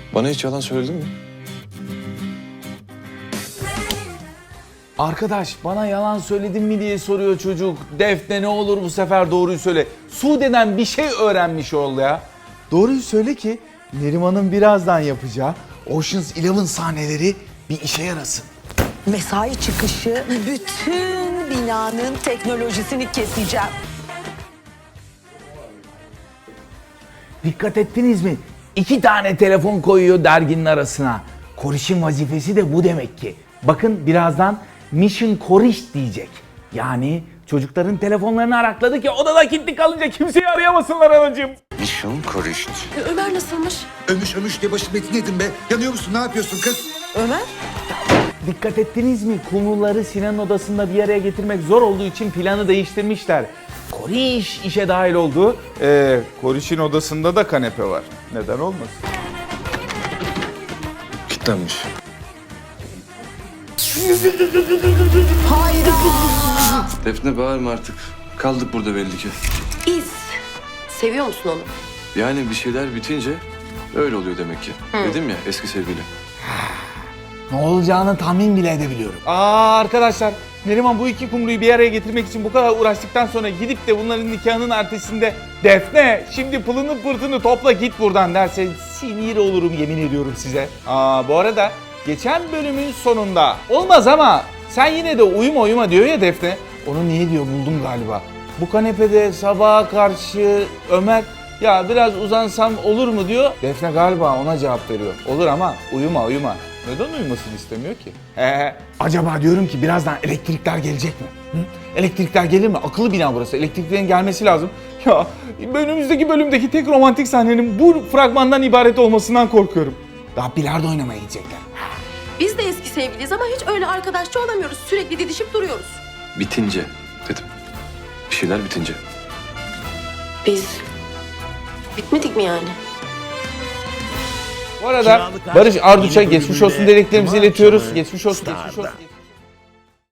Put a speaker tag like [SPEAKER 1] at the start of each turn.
[SPEAKER 1] Bana hiç yalan söyledin mi?
[SPEAKER 2] Arkadaş bana yalan söyledin mi diye soruyor çocuk. Defne ne olur bu sefer doğruyu söyle. Sude'den bir şey öğrenmiş ol ya. Doğruyu söyle ki Neriman'ın birazdan yapacağı Ocean's 11 sahneleri bir işe yarasın.
[SPEAKER 3] Mesai çıkışı bütün binanın teknolojisini keseceğim.
[SPEAKER 2] Dikkat ettiniz mi? 2 tane telefon koyuyor derginin arasına. Koriş'in vazifesi de bu demek ki. Bakın birazdan Mission Koriş diyecek. Yani çocukların telefonlarını arakladı ki odada kilitli kalınca kimseyi arayamasınlar anacığım.
[SPEAKER 4] Mission Korişt.
[SPEAKER 5] Ömer nasılmış?
[SPEAKER 4] Ömüş diye başım etini yedin be. Yanıyor musun? Ne yapıyorsun kız?
[SPEAKER 5] Ömer?
[SPEAKER 2] Dikkat ettiniz mi? Kumruları Sinan'ın odasında bir araya getirmek zor olduğu için planı değiştirmişler. Koriş işe dahil oldu. Koriş'in odasında da kanepe var. Neden olmasın?
[SPEAKER 1] Kilitlenmiş.
[SPEAKER 3] Hayda!
[SPEAKER 1] Defne bağırma artık. Kaldık burada belli ki.
[SPEAKER 5] İz. Seviyor musun onu?
[SPEAKER 1] Yani bir şeyler bitince öyle oluyor demek ki. Dedim ya eski sevgili.
[SPEAKER 2] Ne olacağını tahmin bile edebiliyorum. Arkadaşlar Neriman bu iki kumruyu bir araya getirmek için bu kadar uğraştıktan sonra gidip de bunların nikahının ertesinde Defne şimdi pılını pırtını topla git buradan derse sinir olurum yemin ediyorum size. Bu arada geçen bölümün sonunda olmaz ama sen yine de uyuma diyor ya Defne. Onu niye diyor buldum galiba. Bu kanepede sabaha karşı Ömer ya biraz uzansam olur mu diyor. Defne galiba ona cevap veriyor. Olur ama uyuma. Neden uyumasını istemiyor ki? Acaba diyorum ki birazdan elektrikler gelecek mi? Hı? Elektrikler gelir mi? Akıllı bina burası. Elektriklerin gelmesi lazım. Ya önümüzdeki bölümdeki tek romantik sahnenin bu fragmandan ibaret olmasından korkuyorum. Daha bilardo oynamaya gidecekler.
[SPEAKER 5] Biz de eski sevgiliyiz ama hiç öyle arkadaşça olamıyoruz. Sürekli didişip duruyoruz.
[SPEAKER 1] Bitince dedim. Bir şeyler bitince.
[SPEAKER 5] Biz bitmedik mi yani?
[SPEAKER 2] Bu arada Barış Arduç'a geçmiş olsun dileklerimizi iletiyoruz. Geçmiş olsun.